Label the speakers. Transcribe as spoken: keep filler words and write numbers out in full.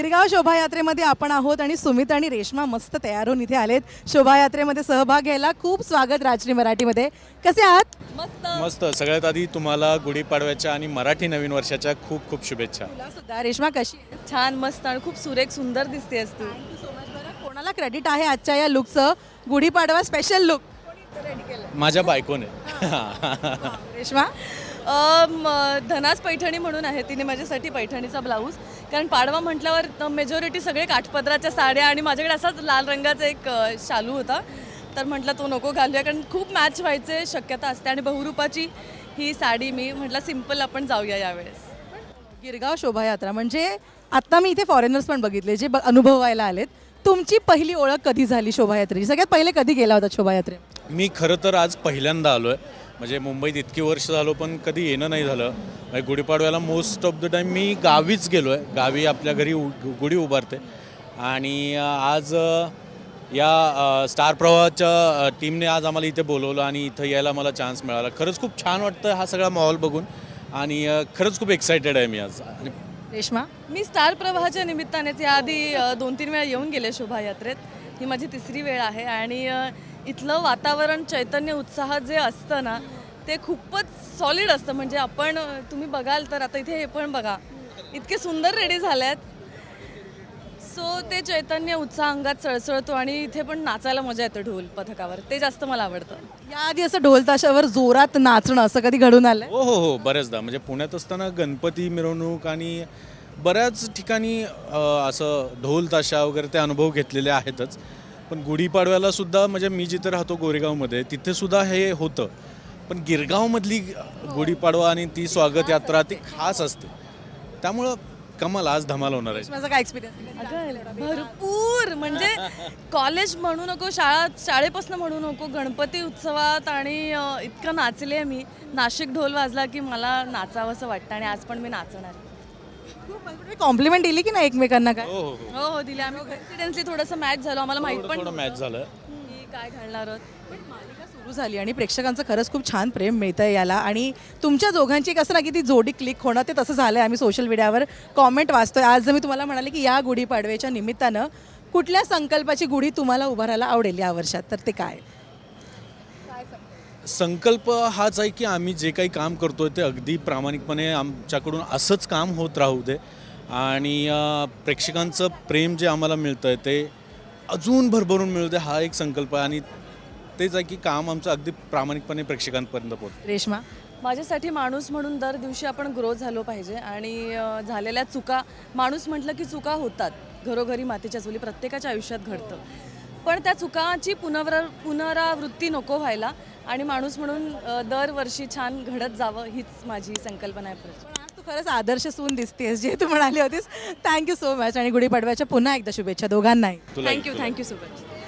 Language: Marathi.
Speaker 1: गिरगाव शोभायात्रेमध्ये आपण आहोत आणि सुमित आणि रेश्मा मस्त तयार होऊन इथे आलेत शोभायात्रेमध्ये सहभाग घ्यायला. खूप स्वागत राजश्री मराठीमध्ये. कसे आहात?
Speaker 2: मस्त
Speaker 3: मस्त. सगळ्यात आधी तुम्हाला गुढीपाडव्याच्या आणि मराठी नवीन वर्षाच्या खूप खूप शुभेच्छा.
Speaker 1: तुला सुद्धा. रेश्मा कशी आहेस?
Speaker 2: छान मस्त आणि खूप सुरेख सुंदर दिसतेस तू.
Speaker 1: Thank you so much. बरं कोणाला क्रेडिट आहे आजच्या या लुकचं? गुढीपाडवा स्पेशल लुक रेडी केलं
Speaker 3: माझ्या बायकोने.
Speaker 1: रेश्मा?
Speaker 2: अम, धनास पैठणी म्हणून आहे, तिने माझ्यासाठी पैठणीचा ब्लाऊज. कारण पाडवा म्हटल्यावर मेजॉरिटी सगळे काठपदराच्या साड्या आणि माझ्याकडे असाच लाल रंगाचा एक अ, शालू होता, तर म्हटलं तो नको घालूया कारण खूप मॅच व्हायचे शक्यता असते आणि बहुरूपाची ही साडी. मी म्हटलं सिम्पल आपण जाऊया यावेळेस.
Speaker 1: गिरगाव शोभायात्रा म्हणजे आता मी इथे फॉरेनर्स पण बघितले जे ब- अनुभवायला आलेत. तुमची पहिली ओळख कधी झाली शोभायात्रेची? सगळ्यात पहिले कधी गेला होता शोभायात्रेत?
Speaker 3: मी खरं तर आज पहिल्यांदा आलो आहे. म्हणजे मुंबईत इतकी वर्ष झालो पण कधी येणं नाही झालं. म्हणजे गुढीपाडव्याला मोस्ट ऑफ द टाईम मी गावीच गेलो आहे. गावी आपल्या घरी उ गुढी उभारते. आणि अ, आज अ, या अ, स्टार प्रवाहाच्या अ, टीमने आज आम्हाला इथे बोलवलं आणि इथं यायला मला चान्स मिळाला. खरंच खूप छान वाटतं हा सगळा माहोल बघून आणि अ, खरंच खूप एक्सायटेड आहे मी आज. आणि
Speaker 1: रेश्मा?
Speaker 2: मी स्टार प्रवाहाच्या निमित्तानेच याआधी अ, दोन तीन वेळा येऊन गेले शोभायात्रेत. ही माझी तिसरी वेळ आहे आणि अ, इथलं वातावरण, चैतन्य, उत्साह जे असतं ना ते खूपच सॉलिड असतं. म्हणजे आपण अ, तुम्ही बघाल तर आता इथे हे पण बघा, इतके सुंदर रेडी झाल्यात. सो ते चैतन्य, उत्साह अंगात सळसळतो आणि इथे पण नाचायला मजा येते ढोल पथकावर. ते जास्त मला आवडतं.
Speaker 1: याआधी असं ढोल ताशावर जोरात नाचणं असं कधी घडून आलंय?
Speaker 3: हो हो हो बऱ्याचदा. म्हणजे पुण्यात असताना गणपती मिरवणूक आणि बऱ्याच ठिकाणी अ, असं ढोल ताशा वगैरे ते अनुभव घेतलेले आहेतच. पण गुढीपाडव्याला सुद्धा म्हणजे मी जिथे राहतो गोरेगावमध्ये तिथे सुद्धा हे होतं. पण गिरगावमधली गुढीपाडवा आणि ती स्वागत यात्रा ती खास असते. त्यामुळं कमाल आज धमाल होणार आहे.
Speaker 1: माझा काय एक्सपिरियन्स?
Speaker 2: अगं भरपूर. म्हणजे कॉलेज म्हणू नको, शाळा शाळेपासून म्हणू नको, गणपती उत्सवात आणि अ, इतकं नाचले मी. नाशिक ढोल वाजला की मला नाचावंसं वाटतं आणि आज पण मी नाचणार.
Speaker 1: कॉम्प्लिमेंट दिली की नाही एकमेकांना? काय
Speaker 3: हो हो हो
Speaker 2: हो हो दिले. आम्ही कॉन्फिडेन्सली थोडंसं मॅच झालो. आम्हाला माहित पण
Speaker 3: थोडं मॅच झालं.
Speaker 2: की काय घालणार आहोत.
Speaker 1: पण मालिका सुरू झाली आणि प्रेक्षकांचं खरंच खूप छान प्रेम मिळतंय याला. आणि तुमच्या दोघांची कसं ना की ती जोडी क्लिक होणं ते तसं झालंय. आम्ही सोशल मीडियावर कॉमेंट वाचतोय. आज जर मी तुम्हाला म्हणाले की या गुढीपाडव्याच्या निमित्तानं कुठल्या संकल्पाची गुढी तुम्हाला उभारायला आवडेल या वर्षात, तर ते काय?
Speaker 3: संकल्प हाच आहे की आम्ही जे काही काम करतोय ते अगदी प्रामाणिकपणे आमच्याकडून असंच काम होत राहू दे आणि अ, प्रेक्षकांचं प्रेम जे आम्हाला मिळतं आहे ते अजून भरभरून मिळू दे, हा एक संकल्प आहे. आणि तेच आहे की काम आमचं अगदी प्रामाणिकपणे प्रेक्षकांपर्यंत पोहोचतं.
Speaker 1: रेश्मा?
Speaker 2: माझ्यासाठी माणूस म्हणून दर दिवशी आपण ग्रो झालो पाहिजे आणि अ, झालेल्या चुका, माणूस म्हटलं की चुका होतात. घरोघरी मातीच्या चुली प्रत्येकाच्या आयुष्यात घडतं. पण त्या चुकाची पुनरा पुनरावृत्ती नको व्हायला आणि माणूस म्हणून अ, दरवर्षी छान घडत जावं हीच माझी संकल्पना आहे.
Speaker 1: पण आज तू खरंच आदर्श सून दिसतेस जे तू म्हणाली होतीस. थँक्यू सो मच आणि गुढीपाडव्याच्या पुन्हा एकदा शुभेच्छा दोघांनाही.
Speaker 3: तुला
Speaker 2: थँक्यू थँक्यू सो मच.